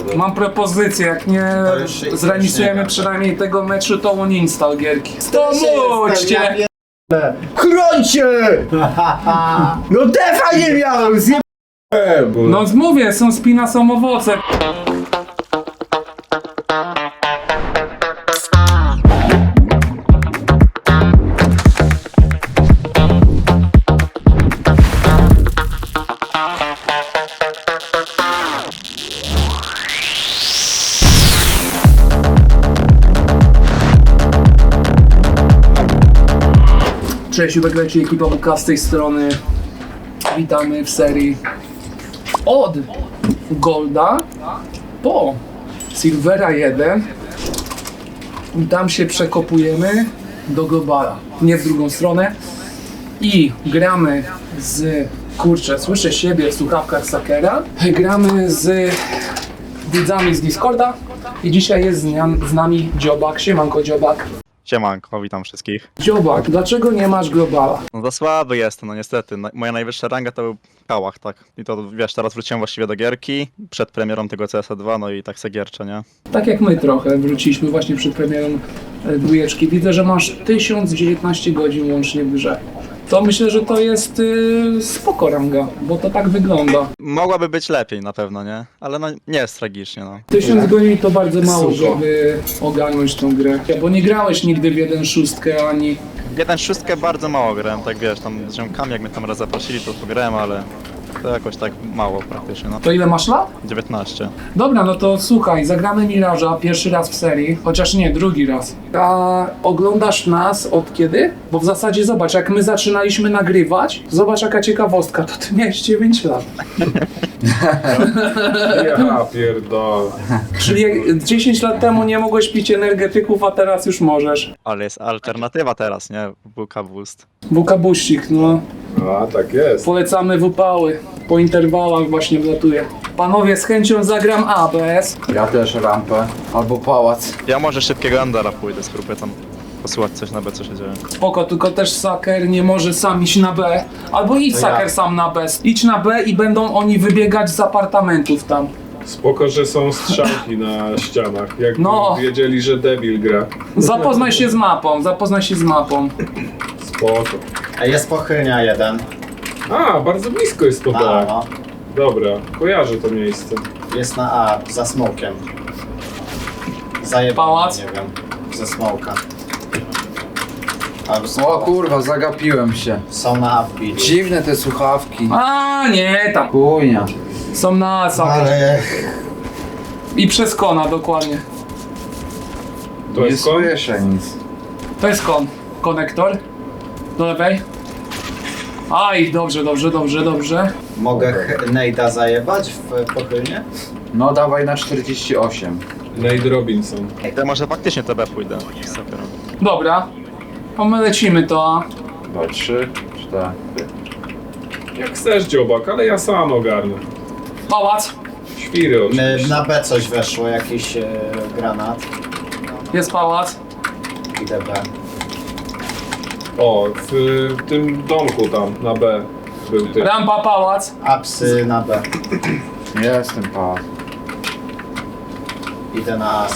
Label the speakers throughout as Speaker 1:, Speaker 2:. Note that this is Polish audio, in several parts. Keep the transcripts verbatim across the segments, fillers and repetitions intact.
Speaker 1: dobra.
Speaker 2: Mam propozycję, jak nie
Speaker 3: To już się-
Speaker 2: zremisujemy
Speaker 3: nie
Speaker 2: przynajmniej tego meczu, to on install gierki. Stomóżcie!
Speaker 1: Chrońcie! No defa nie miałem, zjebałem!
Speaker 2: No mówię, są spina, są owoce. Cześć, Jubek leci, ekipa B K z tej strony. Witamy w serii od Golda po Silvera jeden i tam się przekopujemy do Globala, nie w drugą stronę, i gramy z, kurczę, słyszę siebie w słuchawkach Sakera, gramy z widzami z Discorda i dzisiaj jest z, nia- z nami Dziobak. Siemanko Dziobak.
Speaker 4: Siemanko, witam wszystkich.
Speaker 2: Dziobak, dlaczego nie masz Globala?
Speaker 4: No za słaby jestem, no niestety. Na- Moja najwyższa ranga to był Kałach, tak. I to wiesz, teraz wróciłem właściwie do gierki, przed premierą tego C S dwa, no i tak se gierczę, nie?
Speaker 2: Tak jak my trochę, wróciliśmy właśnie przed premierą e, dwójeczki. Widzę, że masz tysiąc dziewiętnaście godzin łącznie w grze. To myślę, że to jest y, spoko ranga, bo to tak wygląda.
Speaker 4: Mogłaby być lepiej na pewno, nie? Ale no nie jest tragicznie, no.
Speaker 2: tysiąc godzin to bardzo mało,
Speaker 1: Sucho.
Speaker 2: żeby ogarnąć tą grę. Bo nie grałeś nigdy w jeden szóstkę ani...
Speaker 4: Jeden szóstkę bardzo mało grałem, tak wiesz, tam z ziomkami jak mnie tam raz zaprosili, to pograłem, ale to jakoś tak mało praktycznie, no.
Speaker 2: To ile masz lat?
Speaker 4: dziewiętnaście.
Speaker 2: Dobra, no to słuchaj, zagramy Miraża pierwszy raz w serii, chociaż nie, drugi raz. A oglądasz nas od kiedy? Bo w zasadzie zobacz, jak my zaczynaliśmy nagrywać, zobacz jaka ciekawostka, to ty miałeś dziewięć lat.
Speaker 5: Ja pierdolę.
Speaker 2: Czyli jak dziesięć lat temu nie mogłeś pić energetyków, a teraz już możesz.
Speaker 4: Ale jest alternatywa teraz, nie? W K Boost.
Speaker 2: Wukabuścik, no.
Speaker 5: A, tak jest.
Speaker 2: Polecamy wupały. Po interwałach właśnie wlatuje. Panowie, z chęcią zagram A B S.
Speaker 1: Ja też rampę. Albo pałac.
Speaker 4: Ja może szybkiego Andara pójdę, spróbuję tam posłuchać coś na B, co się dzieje.
Speaker 2: Spoko, tylko też Saker nie może sam iść na B. Albo idź
Speaker 3: To
Speaker 2: Saker
Speaker 3: ja.
Speaker 2: sam na B. Idź na B i będą oni wybiegać z apartamentów tam.
Speaker 5: Spoko, że są strzałki na ścianach. Jak
Speaker 2: No.
Speaker 5: wiedzieli, że debil gra.
Speaker 2: Zapoznaj się z mapą, zapoznaj się z mapą.
Speaker 5: Spoko.
Speaker 3: A jest pochylnia jeden.
Speaker 5: A, bardzo blisko jest to
Speaker 3: A,
Speaker 5: tak.
Speaker 3: no.
Speaker 5: Dobra, kojarzę to miejsce.
Speaker 3: Jest na A, za smokiem. Zajebany,
Speaker 2: Pałac?
Speaker 3: nie wiem, ze smoka. Albo
Speaker 1: O
Speaker 3: są,
Speaker 1: kurwa, zagapiłem się.
Speaker 3: są na A wbili.
Speaker 1: Dziwne te słuchawki.
Speaker 2: A nie, tam.
Speaker 1: Chujnia.
Speaker 2: Są na Saker.
Speaker 3: Ale
Speaker 2: I przez kona dokładnie.
Speaker 5: To
Speaker 1: Nie
Speaker 5: jest kon?
Speaker 1: słyszę nic.
Speaker 2: To jest kon. Konektor. Do lewej. Aj, dobrze, dobrze, dobrze, dobrze.
Speaker 3: mogę ch- Nejda zajebać w pochylnie?
Speaker 1: No dawaj na czterdzieści osiem.
Speaker 5: Nate Robinson.
Speaker 4: To może faktycznie T B pójdę. z Sakerem.
Speaker 2: Dobra. To my lecimy to A.
Speaker 1: Dwa, trzy, cztery.
Speaker 5: Jak chcesz, dziobak, ale ja sam ogarnę.
Speaker 2: Pałac.
Speaker 5: Świry
Speaker 3: My,
Speaker 5: oczywiście.
Speaker 3: na B coś weszło, jakiś e, granat.
Speaker 2: Jest pałac.
Speaker 3: Idę B.
Speaker 5: O, w, w tym domku tam, na B był ty.
Speaker 2: Rampa, pałac.
Speaker 3: Apsy na B.
Speaker 1: Jestem pałac.
Speaker 3: Idę na A.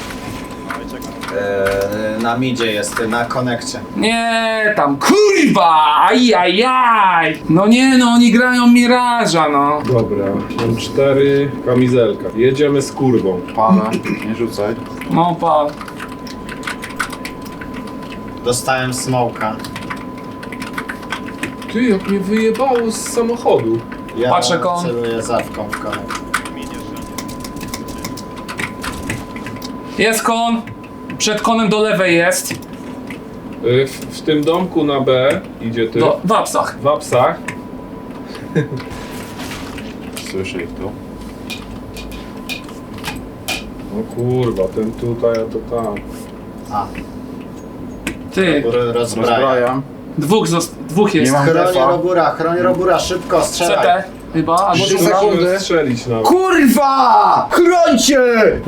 Speaker 3: E, na midzie jest, na konekcie.
Speaker 2: Nie, tam kurwa! Ajajaj! No nie no, oni grają Miraża, no.
Speaker 5: Dobra, mam cztery kamizelka. Jedziemy z kurwą.
Speaker 1: Palę, nie rzucaj.
Speaker 2: No pa.
Speaker 3: Dostałem smoka.
Speaker 5: Ty, jak mnie wyjebało z samochodu.
Speaker 3: Ja
Speaker 2: Patrzę kon.
Speaker 3: celuję zawką w konekcie.
Speaker 2: Jest kon. Przed konem do lewej jest.
Speaker 5: Y, W, w tym domku na B idzie ty.
Speaker 2: Do, w apsach.
Speaker 5: W apsach.
Speaker 1: Słyszę ich tu.
Speaker 5: O kurwa, ten tutaj, a to tam.
Speaker 3: A,
Speaker 2: Ty.
Speaker 3: Ro- rozbraja.
Speaker 1: Rozbrajam.
Speaker 2: Dwóch, zost- dwóch jest.
Speaker 1: Nie mam
Speaker 3: Chroni
Speaker 1: defa.
Speaker 3: Robura, chroni Robura, szybko,
Speaker 2: C
Speaker 3: strzelaj.
Speaker 2: T chyba, albo
Speaker 1: Trzy
Speaker 2: druga.
Speaker 1: sekundy.
Speaker 5: Mogę strzelić nawet.
Speaker 1: Kurwa! Chrońcie!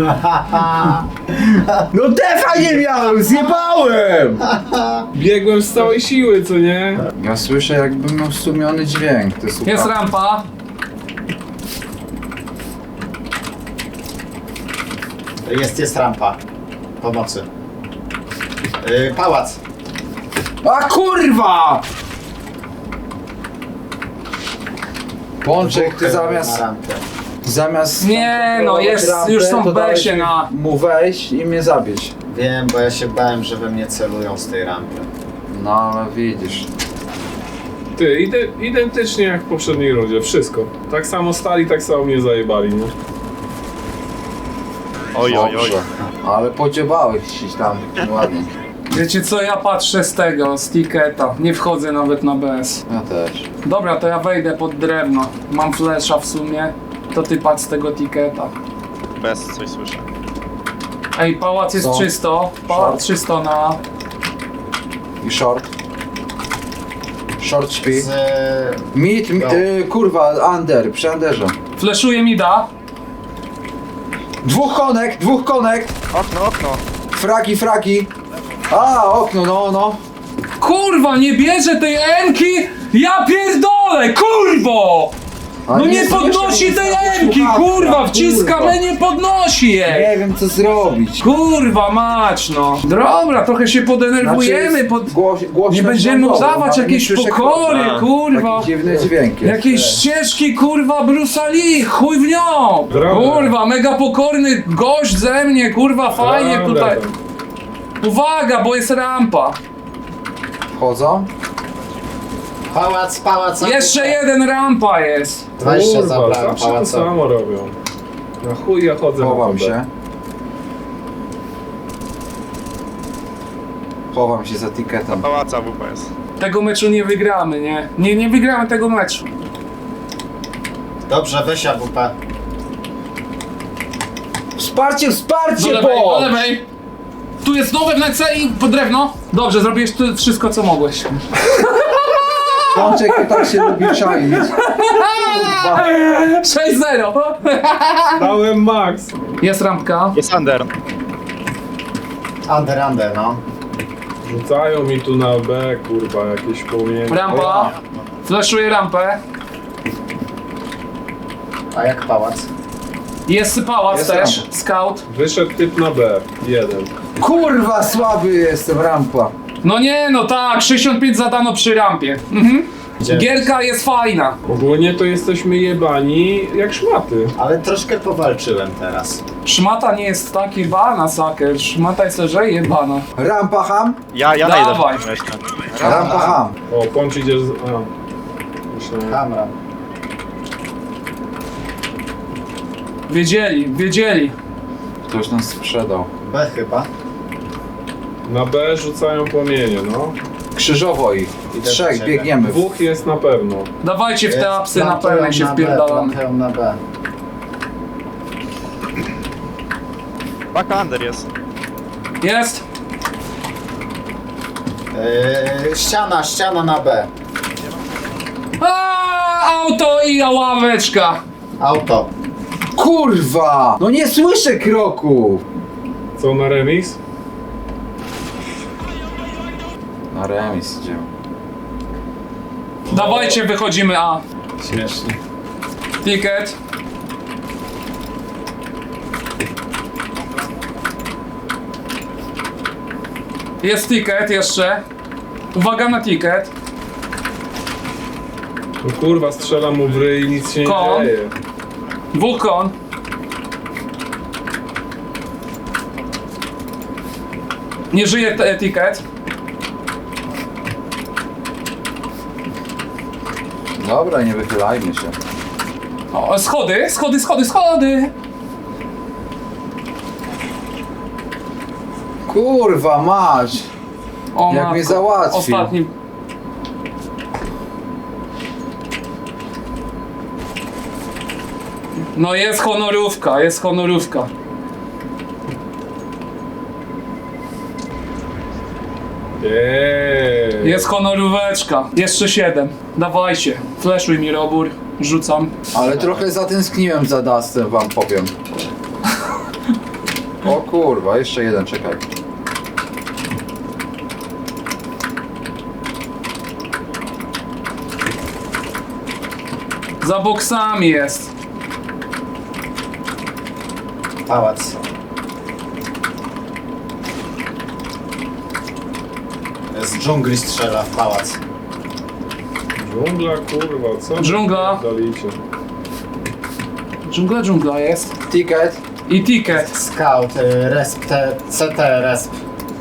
Speaker 1: No defa nie miałem, zjebałem!
Speaker 5: Biegłem z całej siły, co nie?
Speaker 1: Ja słyszę jakbym miał stłumiony dźwięk. Te
Speaker 2: Jest
Speaker 1: słuchawki.
Speaker 2: rampa.
Speaker 3: Jest, jest rampa. Pomocy. Yy, pałac.
Speaker 1: A kurwa! Pączek, ty
Speaker 3: Na
Speaker 1: zamiast...
Speaker 3: rampę.
Speaker 1: Zamiast...
Speaker 2: Nie, no, jest-
Speaker 1: rampę,
Speaker 2: już są
Speaker 1: to
Speaker 2: w
Speaker 1: dałeś
Speaker 2: besie
Speaker 1: mi
Speaker 2: na-
Speaker 1: mu wejść i mnie zabić.
Speaker 3: Wiem, bo ja się bałem, że we mnie celują z tej rampy.
Speaker 1: No, ale widzisz.
Speaker 5: Ty, ide- identycznie jak w poprzedniej rundzie, wszystko. Tak samo stali, tak samo mnie zajebali, nie?
Speaker 4: Oj, oj, oj.
Speaker 1: Dobrze. Ale podziobałeś się tam ładnie.
Speaker 2: Wiecie co, ja patrzę z tego, z tiketa. Nie wchodzę nawet na B S.
Speaker 1: Ja też.
Speaker 2: Dobra, to ja wejdę pod drewno. Mam flesza w sumie. To ty patrz z tego tiketa.
Speaker 4: Bez coś słyszę.
Speaker 2: Ej, pałac jest
Speaker 1: Co?
Speaker 2: czysto. Pałac
Speaker 1: Short.
Speaker 2: czysto na...
Speaker 1: I short. Short śpi.
Speaker 3: Z...
Speaker 1: Mid, mi,
Speaker 3: No.
Speaker 1: y, kurwa, under, przy underze.
Speaker 2: Fleszuje mi da.
Speaker 1: Dwóch konek, dwóch konek.
Speaker 4: Okno, okno.
Speaker 1: Fragi, fragi. A, okno, no, no.
Speaker 2: Kurwa, nie bierze tej enki! Ja pierdolę, kurwo!
Speaker 1: A
Speaker 2: No nie
Speaker 1: słyszę,
Speaker 2: podnosi
Speaker 1: nie
Speaker 2: tej
Speaker 1: słyszę,
Speaker 2: enki,
Speaker 1: słuchawka,
Speaker 2: kurwa! Wciskam,
Speaker 1: kurwa.
Speaker 2: ale nie podnosi jej!
Speaker 1: Nie wiem co zrobić.
Speaker 2: Kurwa mać, no. Dobra, trochę się podenerwujemy, pod...
Speaker 1: Głoś, głośno
Speaker 2: Nie będziemy
Speaker 1: dźwiękowo,
Speaker 2: udawać
Speaker 1: ale nie
Speaker 2: jakieś
Speaker 1: słyszę
Speaker 2: pokory,
Speaker 1: kroku.
Speaker 2: kurwa.
Speaker 1: Taki dziwny dźwięk jest.
Speaker 2: Jakieś ścieżki, kurwa, Bruce'a Lee, chuj w nią!
Speaker 5: Brawo.
Speaker 2: Kurwa, mega pokorny gość ze mnie, kurwa, fajnie
Speaker 5: Dobra,
Speaker 2: tutaj.
Speaker 5: tam.
Speaker 2: Uwaga, bo jest rampa.
Speaker 1: Wchodzą?
Speaker 3: Pałac, pałac.
Speaker 2: Jeszcze jeden rampa jest.
Speaker 3: dwadzieścia
Speaker 5: Kurwa,
Speaker 3: zabrałem
Speaker 5: zawsze to
Speaker 3: pałaca.
Speaker 5: samo robią. Na chuj ja chodzę na
Speaker 1: Chowam
Speaker 5: to
Speaker 1: się. Chowam się za tiketem.
Speaker 4: Pałaca W P S.
Speaker 2: Tego meczu nie wygramy, nie? Nie, nie wygramy tego meczu.
Speaker 3: Dobrze, weź A W P.
Speaker 1: Wsparcie,
Speaker 2: Do
Speaker 1: wsparcie,
Speaker 2: lewej, do
Speaker 1: bo!
Speaker 2: lewej. Tu jest nowe wnęce i po drewno. Dobrze, zrobiłeś tu wszystko, co mogłeś.
Speaker 1: Pączek tak się lubi czaić. Kurwa.
Speaker 2: sześć zero.
Speaker 5: Dałem max.
Speaker 2: Jest rampka.
Speaker 4: Jest under.
Speaker 3: Under, under, no.
Speaker 5: Rzucają mi tu na B, kurwa, jakieś płomienie.
Speaker 2: Rampa. Flaszuję rampę.
Speaker 3: A jak pałac?
Speaker 2: Jest pałac
Speaker 1: Jest
Speaker 2: też.
Speaker 1: rampa.
Speaker 2: Scout.
Speaker 5: Wyszedł typ na B. Jeden.
Speaker 1: Kurwa, słaby jestem, rampa.
Speaker 2: No nie, no tak, sześćdziesiąt pięć zadano przy rampie. Mhm.
Speaker 3: Gdzie?
Speaker 2: Gierka jest fajna.
Speaker 5: Ogólnie to jesteśmy jebani jak szmaty.
Speaker 3: Ale troszkę powalczyłem teraz.
Speaker 2: Szmata nie jest tak jebana, saker. Szmata jest lżej jebana.
Speaker 1: Rampa ham?
Speaker 4: Ja, ja
Speaker 2: Dawaj.
Speaker 4: najdę jeszcze.
Speaker 1: Rampa ham.
Speaker 5: O, Pącz idzie z... A. Myślałem.
Speaker 3: Kamra.
Speaker 2: Wiedzieli, wiedzieli.
Speaker 1: Ktoś nas sprzedał.
Speaker 3: B chyba.
Speaker 5: Na B rzucają płomienie, no.
Speaker 1: Krzyżowo ich.
Speaker 3: Idę do
Speaker 1: Trzech,
Speaker 3: ciebie.
Speaker 1: biegniemy.
Speaker 5: Dwóch jest na pewno.
Speaker 2: Dawajcie w te
Speaker 3: Jest,
Speaker 2: apsy na
Speaker 3: plantują
Speaker 2: pełnej się
Speaker 3: B,
Speaker 2: wpierdalamy.
Speaker 3: plantują na B.
Speaker 4: Baka under jest.
Speaker 2: Jest?
Speaker 3: Yy, ściana, ściana na B.
Speaker 2: A, auto i ławeczka.
Speaker 3: Auto.
Speaker 1: Kurwa! No nie słyszę kroków!
Speaker 5: Co na remis?
Speaker 1: Na remis idziemy.
Speaker 2: Dawajcie, wychodzimy A.
Speaker 3: Śmiesznie.
Speaker 2: Ticket. Jest ticket jeszcze. Uwaga na ticket.
Speaker 5: No kurwa, strzelam mu w ryj i nic się nie
Speaker 2: Kon.
Speaker 5: dzieje.
Speaker 2: Dwóch kon. Nie żyje te- ticket.
Speaker 1: Dobra, nie wychylajmy się.
Speaker 2: O, schody, schody, schody, schody.
Speaker 1: Kurwa, mać!
Speaker 2: O,
Speaker 1: Jak mnie załatwił.
Speaker 2: Ostatni. No jest honorówka, jest honorówka.
Speaker 5: Eee.
Speaker 2: Jest honoróweczka. Jeszcze siedem. Dawajcie. Flashuj mi robór. Rzucam.
Speaker 1: Ale trochę zatęskniłem za Dustem, wam powiem. O kurwa, jeszcze jeden, czekaj.
Speaker 2: Za boksami jest.
Speaker 3: Pałac. z dżungli strzela w pałac.
Speaker 5: Dżungla, kurwa, co?
Speaker 2: Dżungla.
Speaker 5: Dalicie.
Speaker 2: Dżungla, dżungla jest.
Speaker 1: Ticket.
Speaker 2: I ticket.
Speaker 3: Scout, y, resp, te, C T, resp.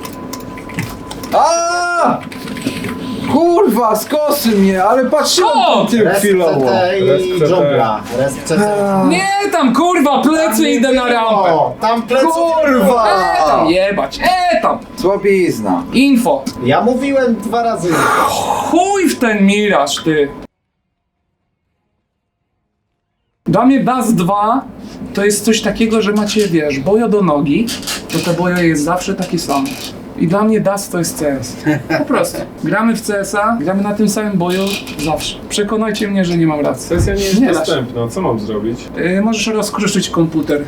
Speaker 1: A! Kurwa, skosy mnie, ale patrzyłem
Speaker 2: Skąd?
Speaker 1: tym
Speaker 3: Resp
Speaker 1: chwilowo.
Speaker 3: C T
Speaker 5: Resp
Speaker 3: i
Speaker 5: C T.
Speaker 3: dżungla. Resp C T.
Speaker 2: Nie tam kurwa, plecy
Speaker 3: nie
Speaker 2: idę na
Speaker 3: było.
Speaker 2: rampę.
Speaker 3: Tam pleców nie było.
Speaker 1: Kurwa!
Speaker 2: E tam jebać, e tam.
Speaker 1: Słabizna.
Speaker 2: Info.
Speaker 3: Ja mówiłem dwa razy.
Speaker 2: Chuj w ten miraż, ty. Dla mnie Dust dwa to jest coś takiego, że macie, wiesz, bojo do nogi, to te bojo jest zawsze takie same. I dla mnie Dust to jest C S. Po prostu. Gramy w C S a, gramy na tym samym boju zawsze. Przekonajcie mnie, że nie mam racji.
Speaker 5: Sesja nie jest
Speaker 2: Nie da się.
Speaker 5: dostępna, co mam zrobić?
Speaker 2: Yy, możesz rozkruszyć komputer.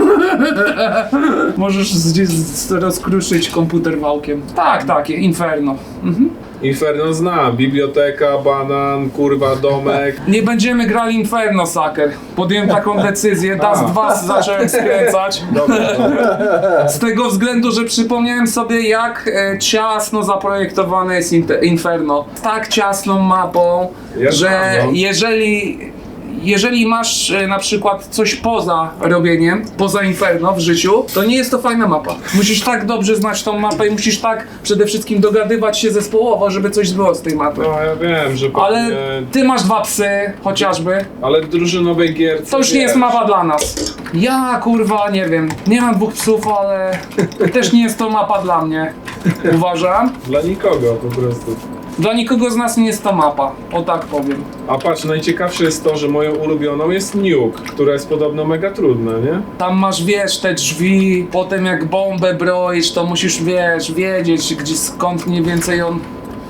Speaker 2: Możesz z, z, rozkruszyć komputer wałkiem. Tak, tak, Inferno. Mhm.
Speaker 5: Inferno zna, biblioteka, banan, kurwa, domek.
Speaker 2: Nie będziemy grali Inferno, Sucker. Podjąłem taką decyzję, Dust dwa zacząłem skręcać.
Speaker 5: Dobra, dobra.
Speaker 2: Z tego względu, że przypomniałem sobie, jak e, ciasno zaprojektowane jest Inter- Inferno. Tak ciasną mapą,
Speaker 5: Ja
Speaker 2: że
Speaker 5: znam, no.
Speaker 2: jeżeli, jeżeli masz e, na przykład coś poza robieniem, poza Inferno w życiu, to nie jest to fajna mapa. Musisz tak dobrze znać tą mapę i musisz tak przede wszystkim dogadywać się zespołowo, żeby coś było z tej mapy.
Speaker 5: No ja wiem, że
Speaker 2: Ale
Speaker 5: pewnie...
Speaker 2: ty masz dwa psy, chociażby.
Speaker 5: Ale w drużynowej gierce,
Speaker 2: To już nie jest
Speaker 5: wiesz,
Speaker 2: mapa dla nas. Ja kurwa nie wiem, nie mam dwóch psów, ale też nie jest to mapa dla mnie. Uważam.
Speaker 5: Dla nikogo po prostu.
Speaker 2: Dla nikogo z nas nie jest to mapa, o tak powiem.
Speaker 5: A patrz, najciekawsze jest to, że moją ulubioną jest Nuke, która jest podobno mega trudna, nie?
Speaker 2: Tam masz, wiesz, te drzwi, potem jak bombę broisz, to musisz, wiesz, wiedzieć, gdzie, skąd mniej więcej on...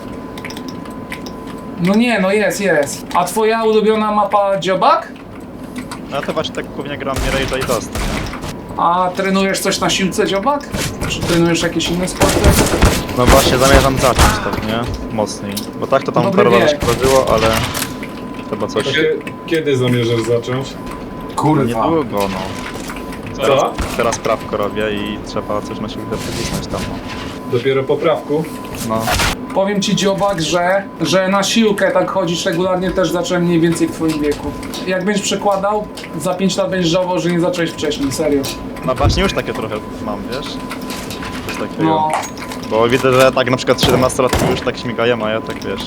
Speaker 2: No nie, no jest, jest. A twoja ulubiona mapa Dziobak?
Speaker 4: No to właśnie tak głównie gram nie Rage'a i Dust, nie?
Speaker 2: A trenujesz coś na siłce Dziobak? Czy trenujesz jakieś inne sporty?
Speaker 4: No właśnie zamierzam zacząć tak, nie? Mocniej. Bo tak to tam
Speaker 2: Dobry
Speaker 4: parę razy
Speaker 2: wiek.
Speaker 4: się robiło, ale... Chyba coś...
Speaker 5: Kie- Kiedy zamierzasz zacząć?
Speaker 1: Kurwa.
Speaker 4: Niedługo, no.
Speaker 5: Co?
Speaker 4: Teraz, teraz prawko robię i trzeba coś na siłkę wycisnąć tam, no.
Speaker 5: Dopiero po prawku?
Speaker 4: No.
Speaker 2: Powiem ci Dziobak, że, że na siłkę tak chodzić regularnie też zacząłem mniej więcej w twoim wieku. Jak będziesz przekładał, za pięć lat będziesz żałował, że nie zacząłeś wcześniej, serio.
Speaker 4: No właśnie już takie trochę mam, wiesz? Coś takiego.
Speaker 2: No,
Speaker 4: Bo widzę, że tak na przykład siedemnastolatki już tak śmigają, a ja tak wiesz.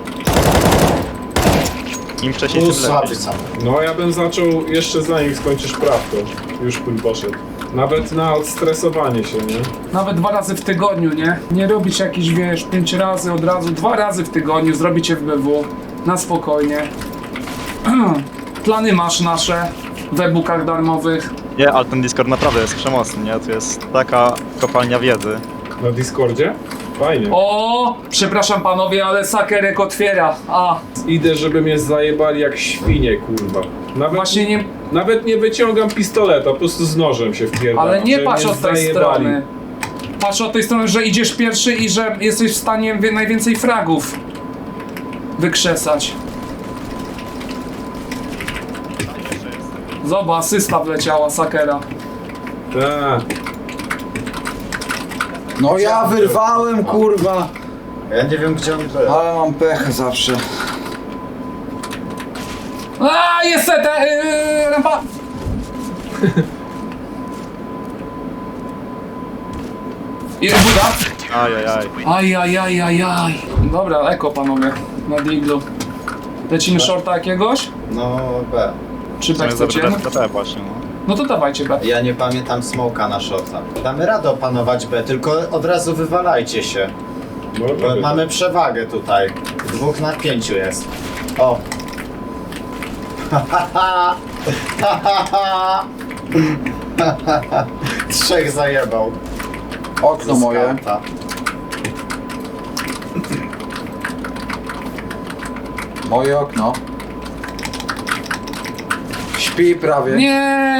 Speaker 4: Im wcześniej
Speaker 3: Tu
Speaker 4: tym
Speaker 3: słaby
Speaker 4: lepiej.
Speaker 3: sam.
Speaker 5: No ja bym zaczął jeszcze zanim skończysz prawko. Już bym poszedł. Nawet na odstresowanie się, nie?
Speaker 2: nawet dwa razy w tygodniu, nie? Nie robić jakichś, wiesz, pięć razy od razu, dwa razy w tygodniu, zrobić F B W, na spokojnie. Plany masz nasze w e-bookach darmowych.
Speaker 4: Nie, ale ten Discord naprawdę jest przemocny, nie? To jest taka kopalnia wiedzy.
Speaker 5: Na Discordzie? Fajnie.
Speaker 2: O, przepraszam panowie, ale Sakerek otwiera. A,
Speaker 5: Idę, żeby mnie zajebali jak świnie, kurwa. Nawet,
Speaker 2: właśnie nie,
Speaker 5: nawet nie wyciągam pistoleta, po prostu z nożem się wpierdalam.
Speaker 2: ale nie
Speaker 5: żeby
Speaker 2: patrz
Speaker 5: mnie
Speaker 2: od tej
Speaker 5: zajebali.
Speaker 2: strony. Patrz od tej strony, że idziesz pierwszy i że jesteś w stanie wie- najwięcej fragów wykrzesać. Zobacz, asysta wleciała Sakera.
Speaker 5: Tak.
Speaker 1: No ja wyrwałem, kurwa.
Speaker 3: Ja nie wiem gdzie on był.
Speaker 1: Ale mam pech zawsze.
Speaker 2: A, jest te, yy, rampa! Jest buda?
Speaker 4: Ajajaj.
Speaker 2: Ajajajajaj. Dobra, eko panowie, na diglu. Lecimy shorta jakiegoś?
Speaker 3: No B.
Speaker 2: Czy
Speaker 4: To
Speaker 2: tak
Speaker 4: jest
Speaker 2: chcecie?
Speaker 4: dobry T P właśnie, no.
Speaker 2: No to dawajcie B.
Speaker 3: Ja nie pamiętam smoka na shota. Damy radę opanować B, tylko od razu wywalajcie się.
Speaker 5: Może
Speaker 3: Bo
Speaker 5: być.
Speaker 3: mamy przewagę tutaj. Dwóch na pięciu jest. O! Trzech zajebał.
Speaker 1: Okno
Speaker 3: ze
Speaker 1: moje.
Speaker 3: skauta.
Speaker 1: Moje okno. Śpi prawie.
Speaker 2: Nie.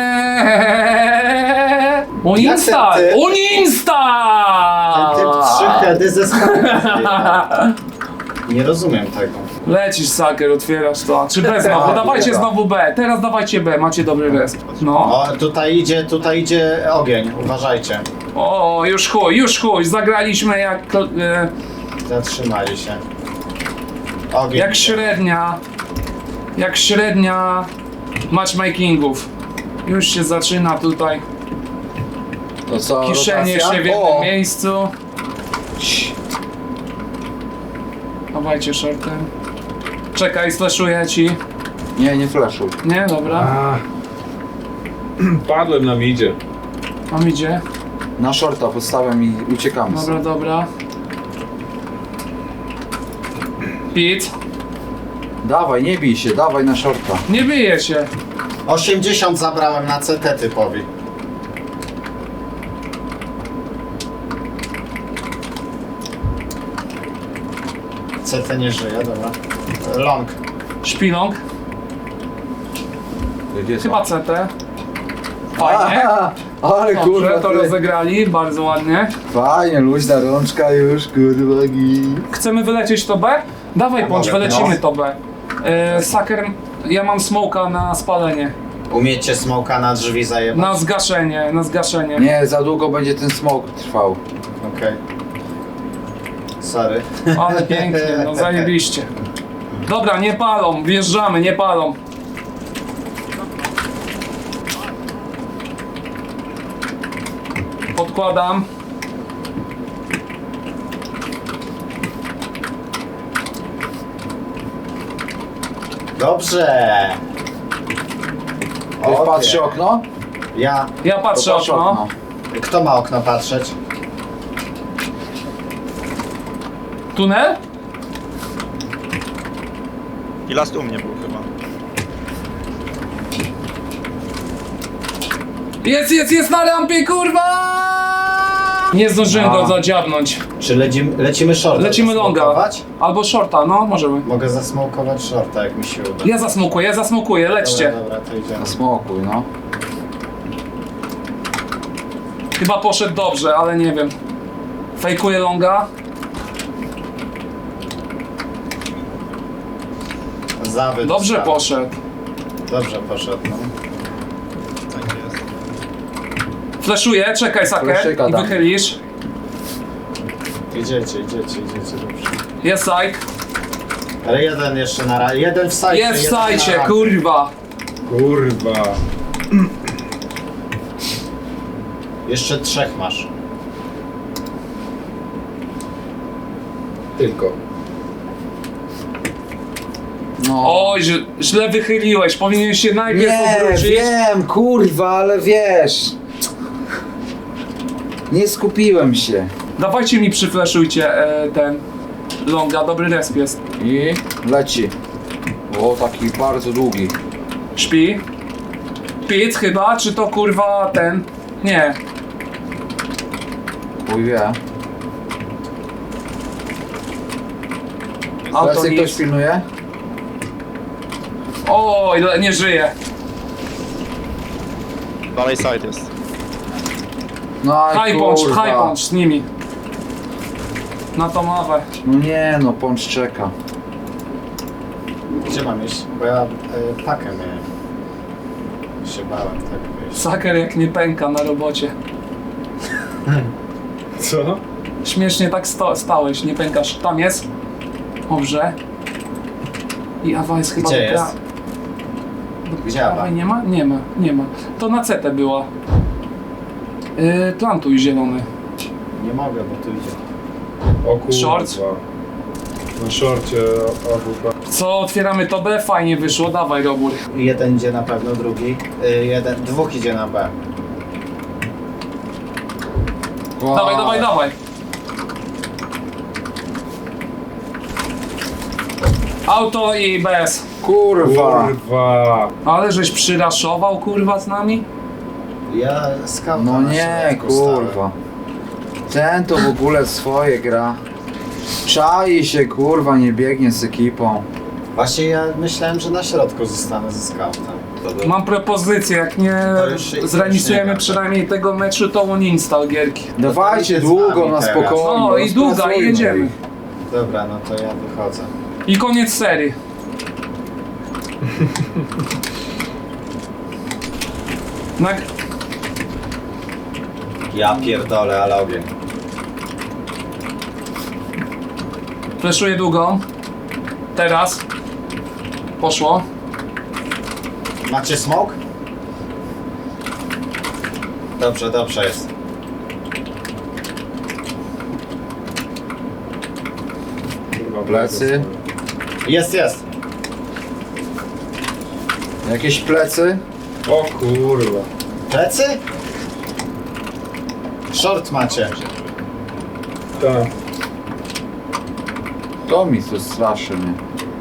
Speaker 3: Jak
Speaker 2: Uninsta!
Speaker 3: ten ty-
Speaker 2: Uninsta!
Speaker 3: Ten typ trzy heady ze skauta. Nie rozumiem tego.
Speaker 2: Lecisz, Saker, otwierasz to. Czy B znowu?
Speaker 1: A,
Speaker 2: Dawajcie
Speaker 1: dobra.
Speaker 2: znowu B. Teraz dawajcie B, macie dobry resp. No.
Speaker 3: O, tutaj idzie, tutaj idzie ogień, uważajcie.
Speaker 2: O, już chuj, już chuj. Zagraliśmy jak... E,
Speaker 3: Zatrzymali się. Ogień.
Speaker 2: Jak średnia, jak średnia matchmakingów. Już się zaczyna tutaj.
Speaker 1: To co,
Speaker 2: Kiszenie
Speaker 1: rotacja?
Speaker 2: się w jednym
Speaker 1: O!
Speaker 2: miejscu. Dawajcie shortem. Czekaj, slashuję ci.
Speaker 1: Nie, nie flashuj.
Speaker 2: Nie, dobra.
Speaker 5: A. Padłem na midzie.
Speaker 2: Mam idzie.
Speaker 1: Na shorta podstawiam i uciekamy.
Speaker 2: Dobra, dobra. Pit.
Speaker 1: Dawaj, nie bij się, dawaj na shorta.
Speaker 2: Nie bije się.
Speaker 3: osiemdziesiąt zabrałem na C T typowi. C T nie żyje, dobra. Long.
Speaker 2: Szpilong.
Speaker 1: Gdzie są?
Speaker 2: Chyba C T. Fajnie.
Speaker 1: Aha, ale
Speaker 2: Dobrze,
Speaker 1: kurwa,
Speaker 2: to
Speaker 1: ty.
Speaker 2: rozegrali, bardzo ładnie.
Speaker 1: Fajnie, luźna rączka już, kurwa, gi.
Speaker 2: Chcemy wylecieć to B? Dawaj Pącz,
Speaker 3: Mogę,
Speaker 2: wylecimy
Speaker 3: no.
Speaker 2: to B. E, Saker, ja mam smoka na spalenie.
Speaker 3: Umiecie smoka na drzwi zajebać?
Speaker 2: Na zgaszenie, na zgaszenie.
Speaker 1: Nie, za długo będzie ten smoke trwał.
Speaker 3: Okej. Sorry.
Speaker 2: Ale pięknie, no zajebiście. Dobra, nie palą, wjeżdżamy, nie palą. Podkładam.
Speaker 3: Dobrze.
Speaker 1: Ktoś
Speaker 3: Okej.
Speaker 1: patrzy okno?
Speaker 3: Ja.
Speaker 2: Ja patrzę
Speaker 1: To patrz
Speaker 2: okno.
Speaker 3: Kto ma okno patrzeć?
Speaker 2: Tunel?
Speaker 4: I last u mnie był chyba.
Speaker 2: Jest, jest, jest na rampie, kurwa! Nie zdążyłem
Speaker 1: A.
Speaker 2: go zadziabnąć.
Speaker 3: Czy lecimy, lecimy shorta?
Speaker 2: Lecimy longa.
Speaker 3: Zasmokować?
Speaker 2: Albo shorta, no możemy.
Speaker 3: Mogę zasmokować shorta, jak mi się uda.
Speaker 2: Ja zasmukuję, ja zasmukuję, lećcie.
Speaker 3: Dobra, dobra, to idziemy.
Speaker 1: Na smokuj, no.
Speaker 2: Chyba poszedł dobrze, ale nie wiem. Fejkuję longa.
Speaker 3: Zawód.
Speaker 2: Dobrze
Speaker 3: został.
Speaker 2: poszedł.
Speaker 3: Dobrze poszedł, no.
Speaker 4: Tak jest.
Speaker 2: Fleszuję, czekaj Saker
Speaker 1: Fleszyka
Speaker 2: i
Speaker 1: dam.
Speaker 2: wychylisz.
Speaker 3: Idziecie, idziecie, idziecie, dobrze.
Speaker 2: Jest side.
Speaker 3: Ale jeden jeszcze na razie. Jeden w sajcie.
Speaker 2: Jest w
Speaker 3: jeden na
Speaker 2: sajcie,
Speaker 3: razie.
Speaker 2: kurwa.
Speaker 5: Kurwa.
Speaker 3: Jeszcze trzech masz.
Speaker 5: Tylko.
Speaker 1: No.
Speaker 2: Oj, źle- źle wychyliłeś, powinien się najpierw
Speaker 1: Nie,
Speaker 2: obrócić.
Speaker 1: wiem, kurwa, ale wiesz. Nie skupiłem się.
Speaker 2: Dawajcie mi przyfleszujcie e, ten longa, dobry resp jest.
Speaker 1: I leci. O, taki bardzo długi.
Speaker 2: Śpi. Pit chyba, czy to kurwa ten? Nie.
Speaker 1: Chuj wie.
Speaker 2: Auto
Speaker 1: Teraz ktoś
Speaker 2: nic.
Speaker 1: pilnuje?
Speaker 2: Oj, le- nie żyje.
Speaker 4: Dalej side jest.
Speaker 1: No
Speaker 2: High punch,
Speaker 1: kurwa.
Speaker 2: high punch z nimi. Na tą mawę.
Speaker 1: No nie no, punch czeka.
Speaker 3: Gdzie mam iść? Bo ja y, pakę miałem. Się bałem, tak wiesz.
Speaker 2: Saker jak nie pęka na robocie.
Speaker 5: Co?
Speaker 2: Śmiesznie tak sto- stałeś, nie pękasz. Tam jest. Dobrze. I Awa jest chyba
Speaker 3: Gdzie
Speaker 2: do pra-
Speaker 3: jest? Gdzie Awa?
Speaker 2: Awa nie ma? Nie ma, nie ma. To na C T była. Yy, plantuj zielony.
Speaker 3: Nie mogę, bo tu idzie.
Speaker 5: O kurwa.
Speaker 2: Short.
Speaker 5: Na szorcie A W P.
Speaker 2: Co, otwieramy to B? Fajnie wyszło, dawaj Robur.
Speaker 3: Jeden idzie na pewno, drugi. Y, jeden, dwóch idzie na B.
Speaker 1: Wow.
Speaker 2: Dawaj, dawaj, dawaj. Auto i B S.
Speaker 1: Kurwa.
Speaker 5: Kurwa.
Speaker 2: Ale żeś przyraszował kurwa z nami?
Speaker 3: Ja skauta
Speaker 1: No
Speaker 3: na
Speaker 1: nie,
Speaker 3: środku stałem.
Speaker 1: kurwa. Ten to w ogóle swoje gra. Czai się, kurwa, nie biegnie z ekipą.
Speaker 3: Właśnie ja myślałem, że na środku zostanę ze scoutem. To by...
Speaker 2: Mam propozycję, jak nie
Speaker 3: To już- już
Speaker 2: zremisujemy
Speaker 3: nie
Speaker 2: przynajmniej tego meczu, to uninstall gierki.
Speaker 1: Dawajcie
Speaker 3: jest z
Speaker 1: długo
Speaker 3: nami
Speaker 1: na
Speaker 3: teraz.
Speaker 1: spokojnie.
Speaker 2: No i długa i
Speaker 1: rozpracujmy
Speaker 2: jedziemy.
Speaker 1: ich.
Speaker 3: Dobra, no to ja wychodzę.
Speaker 2: I koniec serii. Na...
Speaker 3: Ja pierdolę, ale ogień.
Speaker 2: Fleszuję długą. Teraz. Poszło.
Speaker 3: Macie smoke? Dobrze, dobrze jest.
Speaker 5: Kurwa,
Speaker 1: Plecy.
Speaker 3: Jest, jest.
Speaker 1: Jakieś plecy?
Speaker 5: O kurwa.
Speaker 3: Plecy? Short macie.
Speaker 5: Tak.
Speaker 1: To mi tu straszy mnie.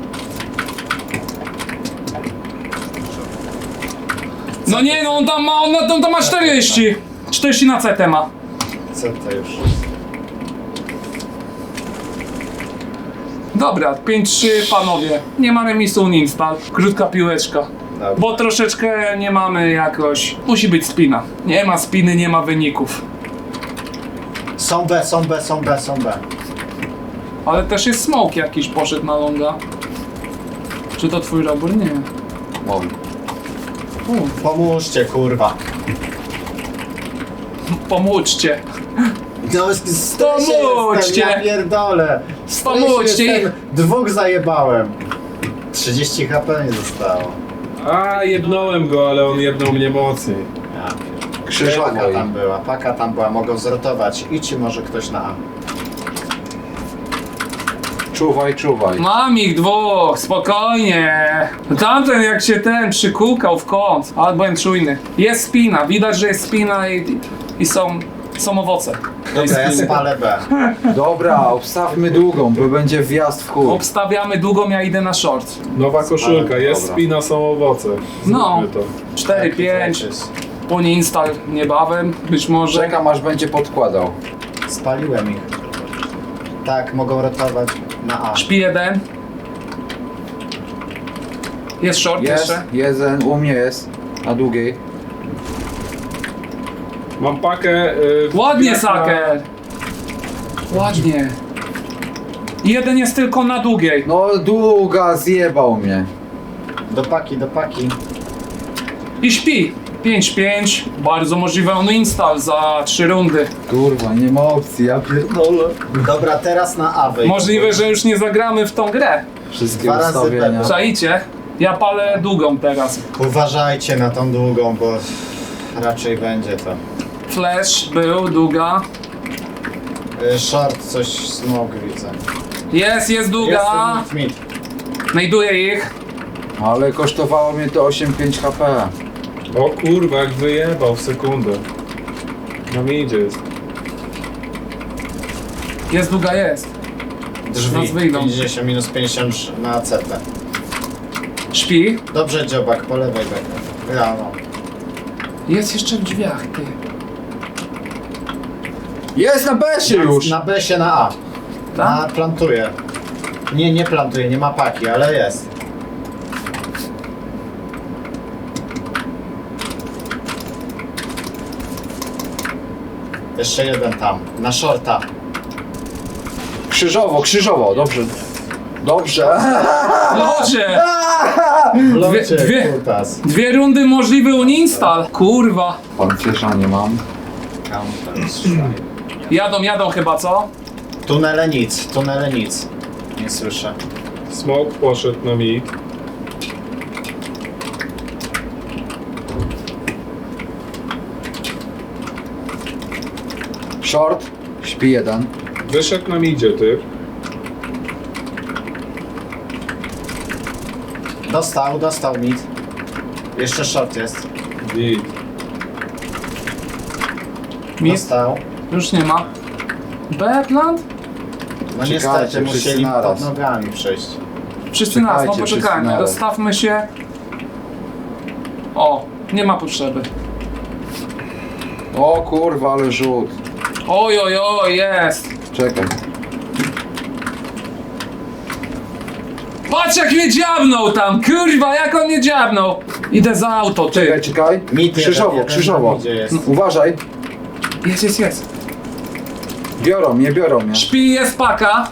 Speaker 2: No nie, no on tam ma, on, on tam ma czterdzieści. czterdzieści na C T ma.
Speaker 3: Co to już?
Speaker 2: Dobra, pięć trzy panowie. Nie mamy remisu uninstall. Krótka piłeczka.
Speaker 3: Dobra.
Speaker 2: Bo troszeczkę nie mamy jakoś... Musi być spina. Nie ma spiny, nie ma wyników.
Speaker 3: Są B, są B, są B, są B.
Speaker 2: Ale też jest smoke jakiś poszedł na longa. Czy to twój robór? Nie.
Speaker 1: Oj.
Speaker 2: U,
Speaker 3: Pomóżcie, kurwa.
Speaker 2: pomóżcie.
Speaker 3: No, stresie
Speaker 2: Pomóżcie.
Speaker 3: jestem, ja pierdolę. W stresie
Speaker 2: Pomóżcie.
Speaker 3: jestem. Dwóch zajebałem. trzydzieści H P nie zostało.
Speaker 5: A, jednąłem go, ale on jednął mnie mocniej.
Speaker 3: Ja pierdolę.
Speaker 1: Krzyżowo
Speaker 3: Paka
Speaker 1: i-
Speaker 3: tam była, paka tam była, mogą zrotować. Idźcie może ktoś na A.
Speaker 1: Czuwaj, czuwaj.
Speaker 2: Mam ich dwóch, spokojnie. Tamten jak się ten przykukał w kąt, ale byłem czujny. Jest spina, widać, że jest spina i, i są, są owoce.
Speaker 3: Dobra, ja spalę B.
Speaker 1: Dobra, obstawmy długą, bo będzie wjazd w chuj.
Speaker 2: Obstawiamy długą, ja idę na short.
Speaker 5: Nowa koszulka, jest
Speaker 1: Dobra.
Speaker 5: spina, są owoce.
Speaker 2: No.
Speaker 5: Zróbmy to.
Speaker 2: cztery pięć, uninstall niebawem, być może.
Speaker 1: Czekam aż będzie podkładał.
Speaker 3: Spaliłem ich. Tak, mogą rotować na A.
Speaker 2: Śpi jeden. Jest short
Speaker 1: Jest,
Speaker 2: jeszcze.
Speaker 1: jeden, u mnie jest. Na długiej.
Speaker 5: Mam pakę. y,
Speaker 2: Ładnie,
Speaker 5: jak na-
Speaker 2: Saker. Ładnie. Jeden jest tylko na długiej.
Speaker 1: No długa, zjebał mnie.
Speaker 3: Do paki, do paki.
Speaker 2: I śpi. pięć pięć. Bardzo możliwe on install za trzy rundy.
Speaker 1: Kurwa, nie ma opcji, ja pierdolę.
Speaker 3: Dobra, teraz na A wyjdę.
Speaker 2: Możliwe, że już nie zagramy w tą grę.
Speaker 1: Wszystkie
Speaker 3: Dwa razy
Speaker 1: ustawienia.
Speaker 3: pewnie.
Speaker 2: Czaicie? Ja palę długą teraz.
Speaker 3: Uważajcie na tą długą, bo raczej będzie to.
Speaker 2: Flash był, długa.
Speaker 3: Y, Short, coś smoke widzę.
Speaker 2: Jest, jest długa.
Speaker 3: Jest mid, mid.
Speaker 2: Znajduję ich.
Speaker 1: Ale kosztowało mnie to osiem pięć H P.
Speaker 5: O kurwa, jak wyjebał w sekundę. Na mnie idzie jest.
Speaker 2: Jest długa, jest.
Speaker 3: Drzwi,
Speaker 2: Nas wyjdą.
Speaker 3: pięćdziesiąt minus pięćdziesiąt na C T.
Speaker 2: Śpi.
Speaker 3: Dobrze, dziobak, po lewej bekę. Ja, no.
Speaker 2: Jest jeszcze w drzwiach, ty.
Speaker 1: Jest na besie już!
Speaker 3: Na B się na A.
Speaker 2: Tak?
Speaker 3: A plantuje. Nie, nie plantuje, nie ma paki, ale jest. Jeszcze jeden tam, na shorta.
Speaker 1: Krzyżowo, krzyżowo, dobrze. Dobrze.
Speaker 2: Dobrze.
Speaker 3: Locie,
Speaker 2: dwie-
Speaker 3: kutas.
Speaker 2: Dwie rundy możliwy uninstall. Kurwa.
Speaker 1: Pancerza nie mam.
Speaker 3: Counter strike.
Speaker 2: Jadą, jadą chyba, co?
Speaker 3: Tunele nic, tunele nic. Nie słyszę.
Speaker 5: Smoke poszedł na mid.
Speaker 1: Short, śpi jeden.
Speaker 5: Wyszedł na midzie, ty.
Speaker 3: Dostał, dostał mid. Jeszcze short jest.
Speaker 5: Git.
Speaker 2: Mid?
Speaker 3: Dostał.
Speaker 2: Już nie ma. B plant?
Speaker 3: No
Speaker 1: Czekajcie,
Speaker 3: niestety,
Speaker 1: wszyscy
Speaker 3: musieli
Speaker 1: naraz.
Speaker 3: pod nogami przejść.
Speaker 2: Wszyscy nas, no
Speaker 1: Czekajcie, wszyscy
Speaker 2: poczekajmy.
Speaker 1: naraz.
Speaker 2: Rozstawmy się. O, nie ma potrzeby.
Speaker 1: O kurwa, ale rzut.
Speaker 2: Oj, oj, oj, jest.
Speaker 1: Czekaj.
Speaker 2: Patrz jak mnie dziabnął tam, kurwa, jak on mnie dziabnął. Idę za auto,
Speaker 1: Czekaj,
Speaker 2: ty.
Speaker 1: czekaj.
Speaker 3: Mid
Speaker 1: Krzyżowo,
Speaker 3: jeden, jeden
Speaker 1: krzyżowo.
Speaker 3: na midzie jest.
Speaker 1: No, uważaj.
Speaker 2: Jest, jest, jest.
Speaker 1: Biorą mnie, biorą mnie.
Speaker 2: Śpi, jest paka.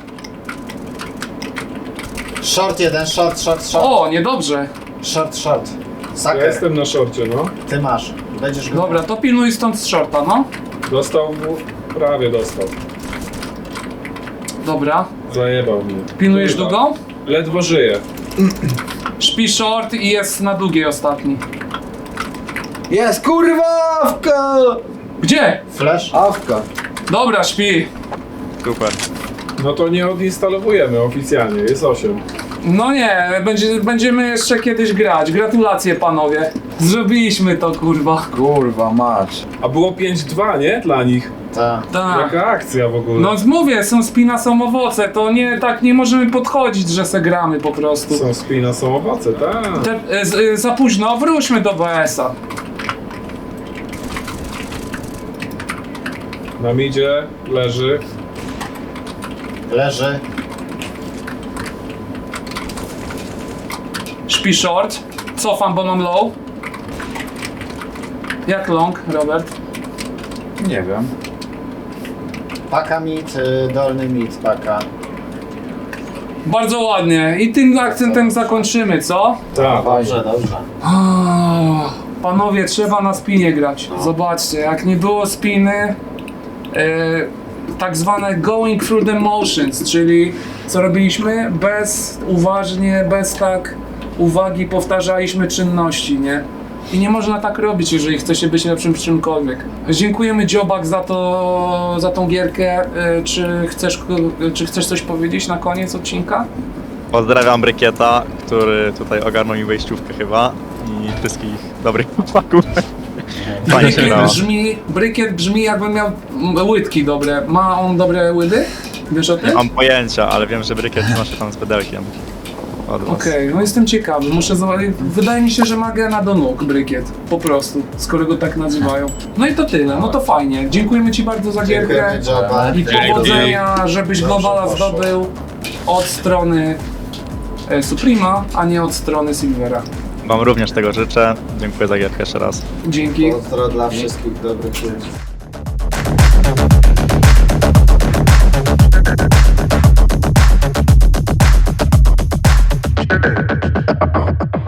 Speaker 3: Short jeden, short, short, short.
Speaker 2: O, niedobrze.
Speaker 3: Short, short.
Speaker 5: Ja
Speaker 3: Saker,
Speaker 5: jestem na szorcie, no.
Speaker 3: ty masz. Będziesz go...
Speaker 2: Dobra, to pilnuj stąd z shorta, no.
Speaker 5: Dostał mu, prawie dostał.
Speaker 2: Dobra.
Speaker 5: Zajebał mnie.
Speaker 2: Pilnujesz
Speaker 5: Kurwa.
Speaker 2: długo?
Speaker 5: Ledwo żyje.
Speaker 2: Śpi short i jest na długiej ostatni.
Speaker 1: Jest kurwa awka!
Speaker 2: Gdzie?
Speaker 3: Flash?
Speaker 1: Awka.
Speaker 2: Dobra, śpi.
Speaker 4: Super.
Speaker 5: No to nie odinstalowujemy oficjalnie, jest osiem.
Speaker 2: No nie, będzie, będziemy jeszcze kiedyś grać. Gratulacje panowie. Zrobiliśmy to, kurwa.
Speaker 1: Kurwa mać.
Speaker 5: A było pięć dwa, nie? Dla nich.
Speaker 3: Ta.
Speaker 2: Tak.
Speaker 5: Jaka akcja w ogóle.
Speaker 2: No mówię, są spina, są owoce, to nie, tak nie możemy podchodzić, że se gramy po prostu.
Speaker 5: Są spina, są owoce, tak.
Speaker 2: Te, e, z, e, za późno, wróćmy do B S-a.
Speaker 5: Na midzie leży.
Speaker 3: Leży.
Speaker 2: Śpi short. Cofam, bo mam low. Jak long, Robert?
Speaker 1: Nie wiem.
Speaker 3: Paka mid, y, dolny mid, paka.
Speaker 2: Bardzo ładnie. I tym akcentem zakończymy, co?
Speaker 5: Tak.
Speaker 3: Dobrze, dobrze.
Speaker 2: Oh, panowie, trzeba na spinie grać. Zobaczcie, jak nie było spiny, e, tak zwane going through the motions, czyli co robiliśmy? Bez, uważnie, bez tak uwagi powtarzaliśmy czynności, nie? I nie można tak robić, jeżeli chce się być lepszym w czymkolwiek. Dziękujemy Dziobak za to, za tą gierkę. E, Czy chcesz, czy chcesz coś powiedzieć na koniec odcinka?
Speaker 4: Pozdrawiam Brykieta, który tutaj ogarnął mi wejściówkę chyba i wszystkich dobrych chłopaków. Fajnie się
Speaker 2: Brykiet
Speaker 4: grało.
Speaker 2: brzmi, brykiet brzmi jakby miał mm, łydki dobre. Ma on dobre łydy? Wiesz o tym?
Speaker 4: Nie mam pojęcia, ale wiem, że Brykiet nosi tam z pedelkiem. Od was.
Speaker 2: Okej, no jestem ciekawy, muszę zobaczyć. Wydaje mi się, że ma gena do nóg brykiet. Po prostu, skoro go tak nazywają. No i to tyle, no to fajnie. Dziękujemy ci bardzo za gierkę.
Speaker 3: Dziękujemy, Joba.
Speaker 2: I powodzenia, żebyś
Speaker 3: Dobrze
Speaker 2: globala
Speaker 3: poszło.
Speaker 2: zdobył od strony e, Suprema, a nie od strony Silvera.
Speaker 4: Wam również tego życzę. Dziękuję za gierkę jeszcze raz.
Speaker 2: Dzięki.
Speaker 3: Pozdro dla wszystkich dobrych ludzi.